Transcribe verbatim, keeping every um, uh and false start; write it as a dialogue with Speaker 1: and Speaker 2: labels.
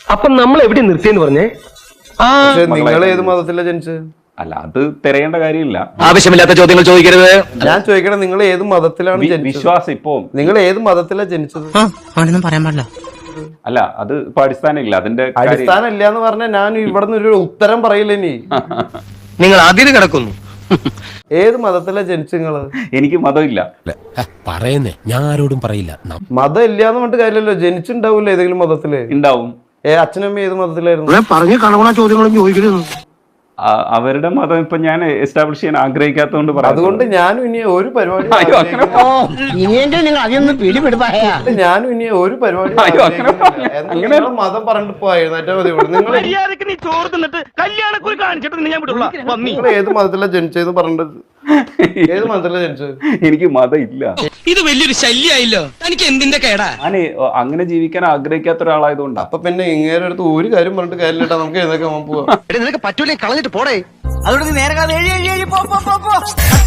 Speaker 1: അപ്പൊ നമ്മൾ എവിടെ നിർത്തിയെന്ന് പറഞ്ഞേ?
Speaker 2: നിങ്ങൾ ഏത് മതത്തിലാണ് ജനിച്ചത്?
Speaker 3: അല്ല, അത് തിരയേണ്ട കാര്യമില്ല.
Speaker 1: ആവശ്യമില്ലാത്ത ചോദ്യങ്ങൾ ചോദിക്കരുത്.
Speaker 2: ഞാൻ ചോദിക്കണേ, നിങ്ങൾ ഏത് മതത്തിലാണ് ജനിച്ചത്?
Speaker 3: വിശ്വാസം ഇപ്പോ
Speaker 2: നിങ്ങൾ ഏത് മതത്തിലാണ് ജനിച്ചത്?
Speaker 4: അവനൊന്നും പറയാൻ പാടില്ല.
Speaker 3: അല്ല, അത് ഇപ്പൊ അടിസ്ഥാനം ഇല്ല. അതിന്റെ
Speaker 2: അടിസ്ഥാനം ഇല്ല എന്ന് പറഞ്ഞാൽ ഞാൻ ഇവിടെ നിന്ന് ഒരു ഉത്തരം പറയില്ല. ഇനി
Speaker 1: നിങ്ങൾ അതിന് കിടക്കുന്നു.
Speaker 2: ഏത് മതത്തിലാണ് ജനിച്ചത് നിങ്ങള്?
Speaker 3: എനിക്ക് മതമില്ല.
Speaker 4: പറയുന്നേ, ഞാൻ ആരോടും പറയില്ല.
Speaker 2: മതം ഇല്ലാന്ന് പറഞ്ഞിട്ട് കാര്യമല്ലോ. ജനിച്ചിണ്ടാവൂല്ലോ ഏതെങ്കിലും മതത്തില്.
Speaker 3: ഉണ്ടാവും.
Speaker 2: ഏ അച്ഛനമ്മ ഏത് മതത്തിലായിരുന്നു?
Speaker 1: പറഞ്ഞു കാണുന്ന ചോദ്യങ്ങളും ചോദിക്കരുത്.
Speaker 3: അവരുടെ മതം ഇപ്പൊ ഞാൻ എസ്റ്റാബ്ലിഷ് ചെയ്യാൻ ആഗ്രഹിക്കാത്തതുകൊണ്ട് പറയാം.
Speaker 2: അതുകൊണ്ട് ഞാനും ഇനി ഒരു പരിപാടി ഞാനും ഇനി ഒരു പരിപാടി മതം പറഞ്ഞിട്ട് പോയിരുന്നേറ്റാ മതി. നിങ്ങൾ ഏത് മതത്തിലാണ് ജനിച്ചതെന്ന് പറഞ്ഞിട്ട് ഏത് മതത്തിലാണ് ജനിച്ചത്?
Speaker 3: എനിക്ക് മതം ഇല്ല.
Speaker 4: ഇത് വലിയൊരു ശല്യായില്ലോ. തനിക്ക് എന്തിന്റെ കേടാ?
Speaker 3: ഞാൻ അങ്ങനെ ജീവിക്കാൻ ആഗ്രഹിക്കാത്ത ഒരാളായതുകൊണ്ടാ.
Speaker 2: അപ്പൊ പിന്നെ ഇങ്ങനെ അടുത്ത് ഒരു കാര്യം പറഞ്ഞിട്ട് കാര്യമില്ല. നമുക്ക് ഏതൊക്കെ പോവാം.
Speaker 4: നിനക്ക് പറ്റൂലേ, കളഞ്ഞിട്ട് പോടേ. അതുകൊണ്ട് നേരെ